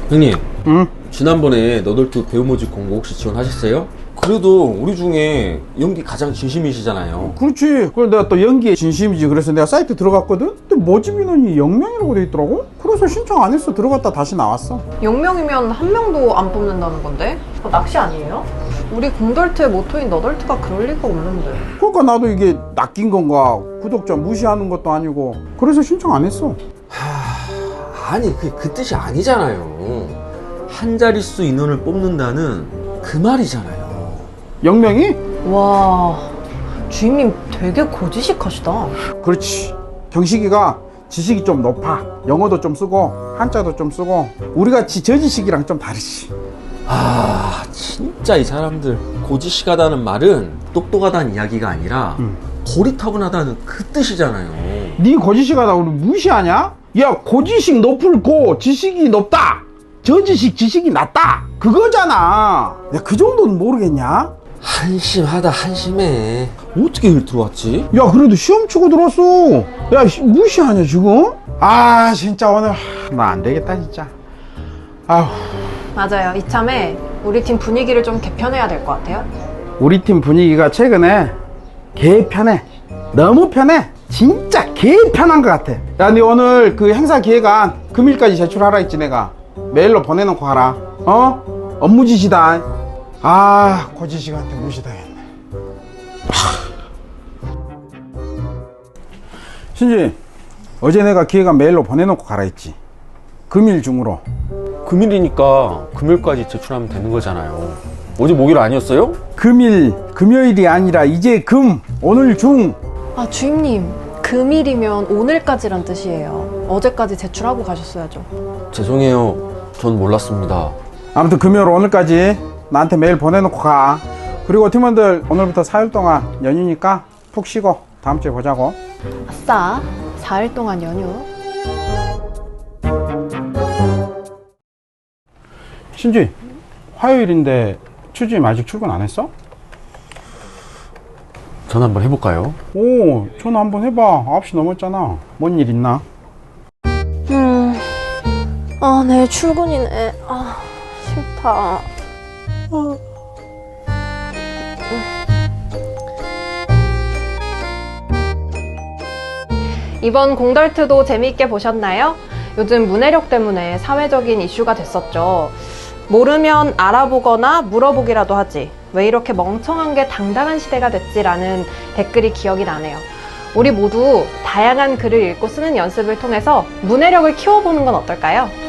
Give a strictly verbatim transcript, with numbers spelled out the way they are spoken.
형님, 응? 지난번에 너덜트 배우 모집 공고 혹시 지원하셨어요? 그래도 우리 중에 연기 가장 진심이시잖아요. 그렇지. 그래 내가 또 연기에 진심이지. 그래서 내가 사이트 들어갔거든. 근데 모집 인원이 영 명이라고 돼 있더라고. 그래서 신청 안 했어. 들어갔다 다시 나왔어. 영 명이면 한 명도 안 뽑는다는 건데? 그거 낚시 아니에요? 우리 공덜트의 모토인 너덜트가 그럴 리가 없는데. 그러니까 나도 이게 낚인 건가, 구독자 무시하는 것도 아니고, 그래서 신청 안 했어. 하... 아니 그게 그 뜻이 아니잖아요. 한 자릿수 인원을 뽑는다는 그 말이잖아요. 영 명이? 와, 주임님 되게 고지식하시다. 그렇지. 경식이가 지식이 좀 높아. 영어도 좀 쓰고 한자도 좀 쓰고 우리같이 저지식이랑 좀 다르지. 아 진짜 이 사람들 고지식하다는 말은 똑똑하다는 이야기가 아니라 음. 고리타분하다는 그 뜻이잖아요. 네 고지식하다 우리 무시하냐? 야, 고지식 높을 고 지식이 높다. 저지식 지식이 낮다. 그거잖아. 야, 그 정도는 모르겠냐? 한심하다 한심해. 어떻게 일 들어왔지? 야, 그래도 시험 치고 들었어. 야, 시- 무시하냐 지금? 아, 진짜 오늘 나 안 되겠다 진짜. 아휴. 맞아요. 이참에 우리 팀 분위기를 좀 개편해야 될 것 같아요. 우리 팀 분위기가 최근에 개 편해. 너무 편해. 진짜 개 편한 것 같아. 야, 니 오늘 그 행사 기획안 금일까지 제출하라 했지 내가. 메일로 보내놓고 가라. 어? 업무 지시다. 아, 고지식한테 무시당했네. 신지, 어제 내가 기획안 메일로 보내놓고 가라 했지. 금일 중으로. 금일이니까 금요일까지 제출하면 되는 거잖아요. 어제 목요일 아니었어요? 금일, 금요일이 아니라 이제 금, 오늘 중. 아, 주임님. 금일이면 오늘까지란 뜻이에요. 어제까지 제출하고 가셨어야죠. 죄송해요. 전 몰랐습니다. 아무튼 금요일 오늘까지 나한테 메일 보내놓고 가. 그리고 팀원들 오늘부터 사 일 동안 연휴니까 푹 쉬고 다음 주에 보자고. 아싸, 사 일 동안 연휴. 신지, 화요일인데 추주임 아직 출근 안 했어? 전화 한번 해볼까요? 오, 전화 한번 해봐. 아홉 시 넘었잖아. 뭔 일 있나? 음, 아, 내일 출근이네. 아, 싫다. 어. 이번 공덜트도 재미있게 보셨나요? 요즘 문해력 때문에 사회적인 이슈가 됐었죠. 모르면 알아보거나 물어보기라도 하지. 왜 이렇게 멍청한 게 당당한 시대가 됐지라는 댓글이 기억이 나네요. 우리 모두 다양한 글을 읽고 쓰는 연습을 통해서 문해력을 키워보는 건 어떨까요?